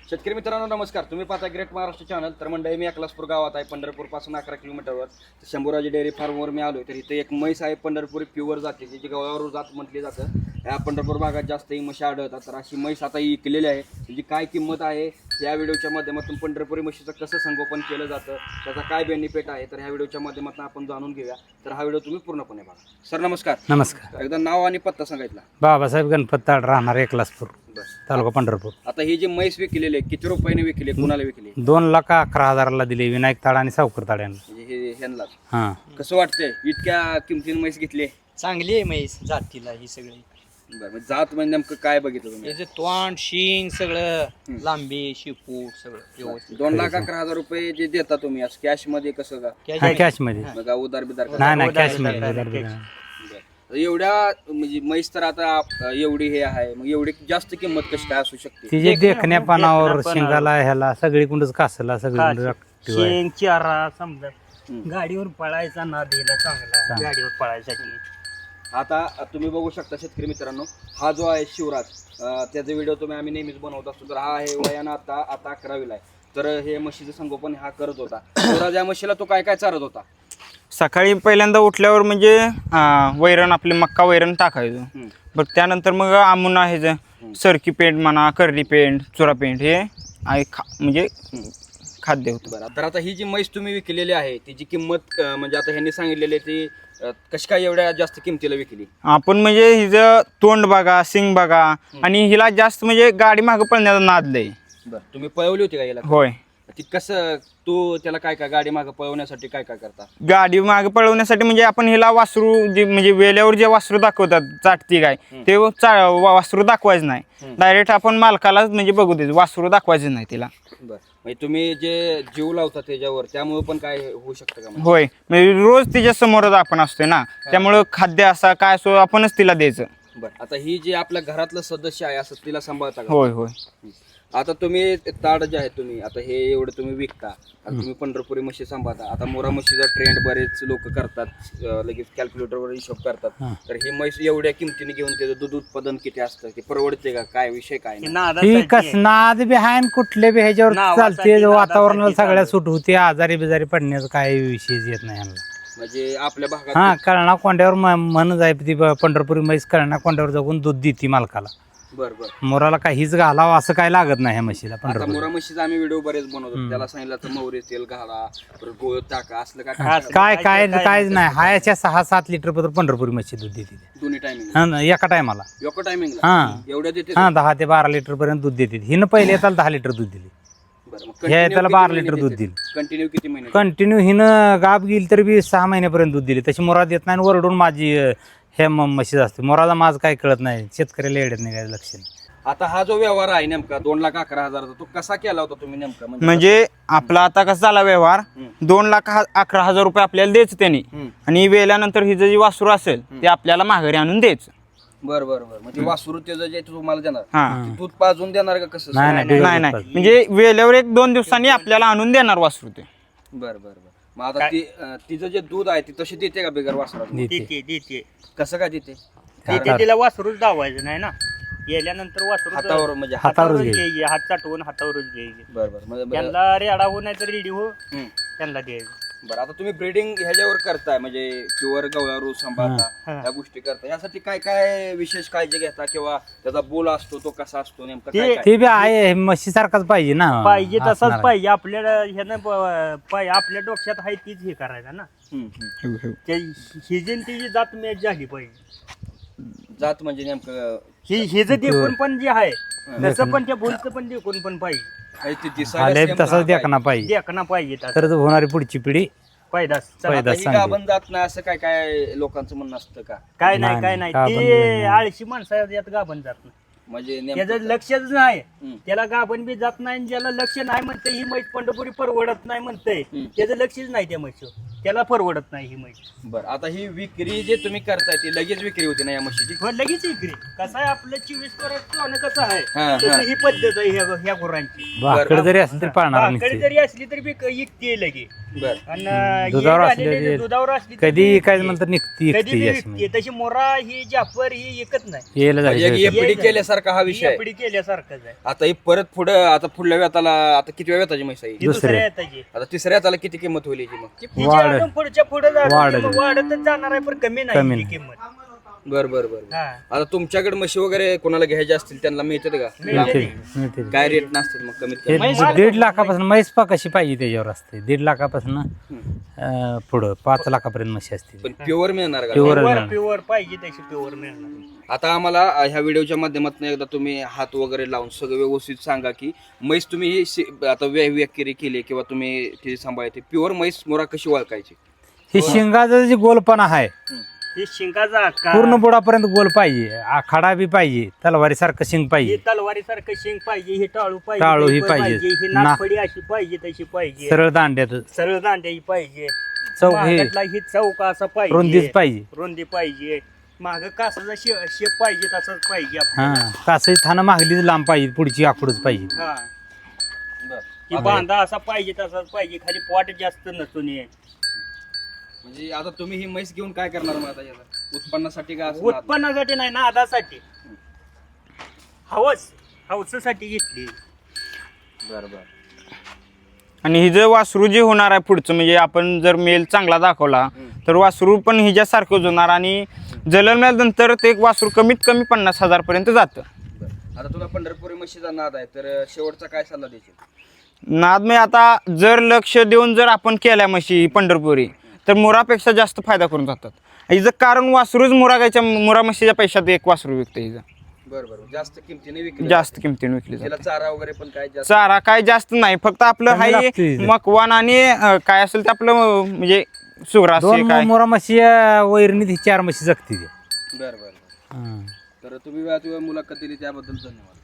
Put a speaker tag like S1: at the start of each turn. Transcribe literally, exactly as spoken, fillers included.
S1: शेतकरी मित्रांनो नमस्कार. तुम्ही पाहता ग्रेट महाराष्ट्र चॅनल. तर मंडळी मी अकलासपूर गावात आहे, पंढरपूर पासून अकरा किलोमीटरवर. शंभूराजी डेअरी फार्मवर मी आलोय. तर इथे एक म्हैस आहे पंढरपुरी प्युअर जाते, जी गवळावर जात म्हटली जातं. या पंढरपूर भागात जास्त ही म्हशी आढळतात. तर अशी म्हैस आता ही विकलेली आहे. त्याची काय किंमत आहे या व्हिडिओच्या माध्यमातून, पंढरपुरी म्हशीचं कसं संगोपन केलं जातं, त्याचा काय बेनिफिट आहे, तर ह्या व्हिडिओच्या माध्यमातून आपण जाणून घेऊया. तर हा व्हिडिओ तुम्ही पूर्णपणे बघा. सर नमस्कार.
S2: नमस्कार.
S1: एकदा नाव आणि पत्ता सांगितला.
S2: बाबासाहेब गणपत ताड, राहणार एकलासपूर, तालुका पंढरपूर.
S1: आता ही जी म्हैस विकलेली आहे किती रुपयाने विकली, कुणाला विकली?
S2: दोन लाख अकरा हजाराला दिली विनायक ताड आणि सावकर ताड यांना.
S1: म्हणजे हे ह्यांना
S2: हा,
S1: कसं वाटतंय इतक्या किमतीने म्हैस घेतली?
S3: चांगली आहे म्हैस जातीला ही सगळी.
S1: बरं, मग जात म्हणजे नेमकं काय बघितलं तुम्ही?
S3: त्याचे तोंड शिंग सगळं लांबी शिपूट सगळं व्यवस्थित.
S1: दोन लाख अकरा हजार रुपये जे देता तुम्ही आज कॅश मध्ये कसं का?
S2: हा, कॅश मध्ये.
S1: बघा उदार बिदार का?
S2: नाही नाही,
S3: उधार
S2: कॅश
S3: बिधार
S2: मध्ये.
S3: काय
S2: उधार बिधार.
S1: बरं. एवढ्या म्हणजे म्हैस तर आता अं, एवढी हे आहे, मग एवढी जास्त किंमत कशी काय असू शकते?
S2: तिचे देखण्या पानावर,
S3: देखण्या
S2: शिंगाला, ह्याला सगळीकडूनच कासला सगळीकडे active आहे.
S3: शेंग चारा समजा
S1: हम्म.
S3: गाडीवर पळायचा ना दिला चांगला
S2: चांगला.
S3: गाडीवर पळायसाठी.
S1: आता तुम्ही बघू शकता शेतकरी मित्रांनो, हा जो आहे शिवराज, अं, त्याचा व्हिडिओ तुम्ही आम्ही नेहमीच बनवत असतो. तर हा आहे वयानं आता आता अकरावीला आहे. तर हे म्हशीचं संगोपन हा करत होता. शिवराज या म्हशीला तो काय काय चारत होता?
S4: सकाळी पहिल्यांदा उठल्यावर म्हणजे अं, वैरण आपले मक्का वैरण टाकायचं.
S1: हम्म.
S4: बरं त्यानंतर मग आमून आहे जे सरकी पेंट म्हणा, करडी पेंट, चुरा पेंट हे आहे खा म्हणजे खाद्य होतं.
S1: बरं, तर आता ही जी म्हैस तुम्ही विकलेली आहे तिची किंमत अं, म्हणजे आता ह्यांनी सांगितलेली आहे ती अं, कशी काय एवढ्या जास्त किमतीला विकली?
S4: आपण म्हणजे हिचं तोंड बघा, सिंग बघा आणि हिला जास्त म्हणजे गाडी मागं पळण्याचा नाद लय.
S1: बरं, तुम्ही पळवली होती का याला?
S4: होय,
S1: ती कसं तू त्याला काय काय गाडी मागं पळवण्यासाठी काय काय करता?
S4: गाडी मागं पळवण्यासाठी म्हणजे आपण हिला वासरू जे म्हणजे वेल्यावर जे वासरू दाखवतात चाटती गाय, ते चा वा- वासरू दाखवायचं नाही. डायरेक्ट आपण मालकाला म्हणजे बघू द्यायचं, वासरू दाखवायचं नाही तिला.
S1: बरं, म्हणजे तुम्ही जे जीव लावता त्याच्यावर त्यामुळे पण काय होऊ शकतं का? म्हणजे
S4: होय, म्हणजे रोज तिच्या समोरच आपण असतोय ना, त्यामुळं खाद्य असा काय असो आपणच तिला द्यायचं.
S1: बरं, आता ही जी आपल्या घरातलं सदस्य आहे असं तिला सांभाळता का?
S4: होय होय.
S1: आता तुम्ही ते ताड जे आहे तुम्ही आता हे एवढं तुम्ही विकता, आता तुम्ही पंढरपुरी म्हशी सांभाळता. आता मोरा म्हशीचा ट्रेंड बरेच लोक करतात, अं, लगेच कॅल्क्युलेटरवर हिशोब करतात.
S2: हा.
S1: तर ही म्हैस एवढ्या किमतीने घेऊन त्याचं दूध उत्पादन किती असतं, ते परवडते का? काय विषय काय
S3: ही
S1: नाही?
S3: नादासाठी
S2: ही कस
S3: आहे.
S2: नाद बी आहे आणि कुठले बी ह्याच्यावर
S3: नावासाठी,
S2: चालते.
S3: नादासाठी
S2: वातावरणाला सगळ्या
S3: चालू.
S2: सूट होते. आजारी बिजारी पडण्याचा काही विषयच येत नाही ह्यांना.
S1: म्हणजे आपल्या भागात
S2: हा, कळणा कोंड्यावर म- म्हणच आहे ती ब- पंढरपुरी म्हैस कळणा कोंड्यावर जाऊन दूध देते मालकाला.
S1: बरं बरं.
S2: मोराला काहीच घालावं असं काय लागत नाही ह्या म्हशीला
S1: आता
S2: पंढरपूर.
S1: मोरा म्हशीचा आम्ही व्हिडिओ बरेच बनवतो. त्याला सांगितलं तर मोहरी तेल घाला, परत गोळ टाका, असलं काय
S3: हा,
S1: काय
S2: काय काय
S3: काय
S2: कायच नाही. हायाच्या सहा सात लिटर पर्यंत पंढरपुरी म्हशी दूध देते ती.
S1: दोन्ही टायमिंग
S2: हा ना, एका टायमाला.
S1: एका टायमिंगला
S2: हा
S1: एवढ्या देते?
S2: हा, दहा ते बारा लिटर पर्यंत दूध देते. हिनं पहिले येताला दहा लिटर दूध दिली.
S1: बरं, मग
S2: ह्या
S1: continue
S2: त्याला
S1: किती
S2: बारा
S1: महिने
S2: लिटर दूध
S1: देते?
S2: दिलं.
S1: कंटिन्यू किती महिने?
S2: कंटिन्यू हिनं गाब गेली तर बी सहा महिन्यापर्यंत दूध दिली. तशी मोरा देत नाही आणि वरडून माझी अं, हे म- म्हशीच असते. मोराचा माझ काय कळत नाही, शेतकऱ्याला येडत नाही काय लक्ष नाही.
S1: आता हा जो व्यवहार आहे नेमका दोन लाख अकरा हजाराचा, तो कसा केला होता तुम्ही नेमका? म्हणजे
S4: म्हणजे आपला आता कसा झाला व्यवहार,
S1: हम्म.
S4: दोन लाख हा- अकरा हजार रुपये आपल्याला द्यायचं त्यांनी,
S1: हम्म.
S4: आणि वेल्यानंतर हिचं जे वासरू असेल ते आपल्याला माघारी आणून द्यायचं.
S1: बरं बरं बरं, म्हणजे वासरू त्याचं जे तुम्हाला देणार
S4: हा,
S1: ते दूध पाजून देणार का कसं?
S2: नाही, नाही,
S4: नाही नाही, म्हणजे वेल्यावर एक दोन दिवसांनी आपल्याला आणून देणार वासरू ते.
S1: बरं बरं बरं. मग आता ती अं, तिचं जे दूध आहे ती तशी देते का बिगर वासराचं?
S2: देते.
S3: देते देते
S1: कसं काय देते?
S3: देते. तिला वासरूच दावायचं नाही ना, गेल्यानंतर वासरू
S1: हातावर म्हणजे हात-
S2: हातावरच
S3: हातावरच
S2: घ्यायची.
S3: घ्यायची, हात चाटवून हातावरच घ्यायची.
S1: बरं बरं म्हणजे बरं.
S3: त्यांना रेडा हो नाही तर रेडी हो
S1: हम्म.
S3: त्यांना द्यायचं.
S1: बरं, आता तुम्ही ब्रीडिंग ह्याच्यावर करताय म्हणजे प्युअर गवळारू सांभाळता,
S3: हा.
S1: ह्या गोष्टी करता, यासाठी काय काय विशेष काळजी घेता किंवा त्याचा बोल असतो तो कसा असतो नेमका
S3: ते-
S1: काय काय?
S2: ते बी आहे म्हशी सारखाच पाहिजे ना.
S3: पाहिजे
S2: असणार
S3: तसाच
S2: आहे.
S3: पाहिजे आपल्याला ह्यानं प- पाय आपल्या डोक्यात आहे तीच हे करायचं ना.
S1: हम्म, हम्म.
S3: ते हिजन तिची जात मॅच झाली पाहिजे.
S1: जात म्हणजे नेमकं
S3: ही हिज देखून पण जे आहे
S1: हं.
S3: तसं पण त्या बोलचं पण देखून पण पाहिजे.
S1: काही ते दिसायला
S2: आले
S1: same
S2: तसंच
S1: राहत आहे.
S2: देखना पाहिजे.
S3: देखना पाहिजे तसं.
S2: तरच होणारी पुढची पिढी
S3: पैदास
S1: आता
S2: पैदास
S1: ही
S2: चांगली.
S1: गाभण जात नाही असं काय काय लोकांचं म्हणणं असतं का?
S3: काय
S2: नाही,
S3: नाही काय नाही
S2: नाही, गाभण
S3: ते
S2: नाही.
S3: आळशी माणसं यात गाभण जात नाही.
S1: म्हणजे
S3: त्याचं
S1: नेमकं
S3: लक्षच नाही.
S1: हम्म.
S3: त्याला गाभण बी जात नाही आणि ज्याला लक्ष नाही म्हणतंय ही म्हैस पंढरपुरी परवडत नाही म्हणतंय,
S1: हम्म.
S3: त्याचं लक्षच नाही त्या म्हशीवर, त्याला परवडत नाही ही म्हैस.
S1: बरं, आता ही विक्री जे तुम्ही करताय ती लगेच विक्री होती ना या म्हशीची?
S3: हो, लगेच इकडे कसं आहे आपलं चोवीस वर्ष सोनं कसं आहे
S1: हा,
S3: तसं
S1: हा.
S3: ही पद्धत आहे ह्या ह्या गुरांची.
S2: भाकड जरी असेल तरी पाळणार
S3: भाकरी
S2: नाही.
S3: जरी असली तरी बी इकते लगे
S1: बर
S3: आणि हे
S2: दुधावर
S3: झालेले
S2: असलेले-
S3: दुधावर असली तर
S2: कधी
S3: ती
S2: काय म्हणतात निघती
S3: कधी बी
S2: एकटी अशी
S3: विकते.
S2: म्हणजे.
S3: तशी मोरा ही जाफर ही एकच नाही
S2: यायला
S1: म्हणजे एक
S2: जायचं
S1: एफडी केल्यासारखा हा विषय आहे.
S3: एपडी केल्यासारखंच आहे
S1: आता ही परत पुढे आता पुढल्या वेताला आता किती वेळ वेताची म्हैस आहे
S3: ही
S1: ही?
S2: दुसऱ्या.
S3: दुसऱ्या येताची
S1: आता तिसऱ्या वेताला किती किंमत होईल याची मग
S3: हिची
S2: वाढ-
S3: अजून पुढच्या पुढे
S2: वाढ-
S3: वाढतच जाणार आहे पण कमी
S2: कमी
S3: नाही ही
S2: नाही.
S3: किंमत
S1: बर बर बर
S3: हा
S1: आता तुमच्याकडे म्हशी वगैरे कोणाला घ्यायच्या असतील त्यांना मिळतात का
S2: मिळते मिळते
S1: काय रेट नसतात मग कमीत
S2: हे
S1: कमी
S2: दीड लाखापासून म्हैस पा कशी पाहिजे त्याच्यावर असते दीड लाखापासून अं, पुढं पाच लाखापर्यंत म्हशी असते
S1: पण प्युअर मिळणार का
S2: Pure.
S3: प्युअर प्युअर पाहिजे तशी प्युअर मिळणार
S1: आता आम्हाला अ, ह्या व्हिडिओच्या माध्यमातून एकदा तुम्ही हात वगैरे लावून सगळं व्यवस्थित सांगा की म्हैस तुम्ही ही शि- आता व्या व्याकेरी केली किंवा तुम्ही ती सांभाळते प्युअर म्हैस मोरा कशी ओळखायची
S2: ही शिंगाचा जे गोलपणा आहे
S3: ही शिंगाचा आकार
S2: पूर्ण बुडापर्यंत गोल पाहिजे आखाडा बी पाहिजे तलवारी सारखं शिंग
S3: ही
S2: पाहिजे
S3: तलवारी सारखं शिंग पाहिजे ही टाळू पाहिजे
S2: टाळू ही
S3: तशी
S2: पाहिजे.
S3: ही
S2: ना-
S3: नागफडी अशी पाहिजे तशी पाहिजे
S2: सरळ दांड्यात
S3: सरळ दांड्या ही पाहिजे
S2: चौक हे
S3: मागातला ही चौक असा पाहिजे
S2: रुंदीच पाहिजे
S3: रुंदी पाहिजे माग कासाचा शे- शेप पाहिजे तसाच पाहिजे
S2: हा
S3: आपल्याला.
S2: कासही थानं मागलीच लांब पाहिजे पुढची आखूडच पाहिजे
S3: हा की बांधा असा पाहिजे तसाच पाहिजे खाली पोट जास्त नसून ये
S1: म्हणजे आता तुम्ही ही म्हैस घेऊन काय करणार मग आता याला उत्पन्नासाठी का असं
S3: उत्पन्नासाठी नाही ना आदासाठी हवस हवसासाठी घेतली
S1: बरं बरं
S4: आणि ही जर वासरू जे होणार आहे पुढचं म्हणजे आपण जर मेल चांगला दाखवला तर वासरू पण हिच्यासारखंच होणार आणि जन्मल्यानंतर ते एक वासरू कमीत कमी पन्नास हजार पर्यंत जातं.
S1: बरं. आता तुला पंढरपुरी म्हशीचा नाद आहे तर शेवटचा काय सल्ला देशील
S4: नाद म्हणजे आता जर लक्ष देऊन जर आपण केल्या म्हशी पंढरपुरी तर मुरापेक्षा जास्त फायदा करून जातात. हिचं कारण वासरूच मुरागायच्या मुरा म्हशीच्या पैशात एक वासरू विकतं हिचं
S1: बरं बरं जास्त किमतीने विकली
S4: जास्त किमतीने विकली
S1: त्याला
S4: जाते.
S1: चारा वगैरे पण काय जास्त
S4: चारा काय जास्त नाही फक्त आपलं
S2: कमी
S4: हाय
S2: लागतं हिचं.
S4: मकवान आणि अं, काय असेल ते आपलं अं, म्हणजे सुग्रास
S2: दोन
S4: काय
S2: मोरा म्हशी अं, वैरणीत ही चार म्हशी जगते ती
S1: बरं बरं बरं
S2: हा.
S1: तर तुम्ही वेळात वेळ मुलाखत दिली त्याबद्दल धन्यवाद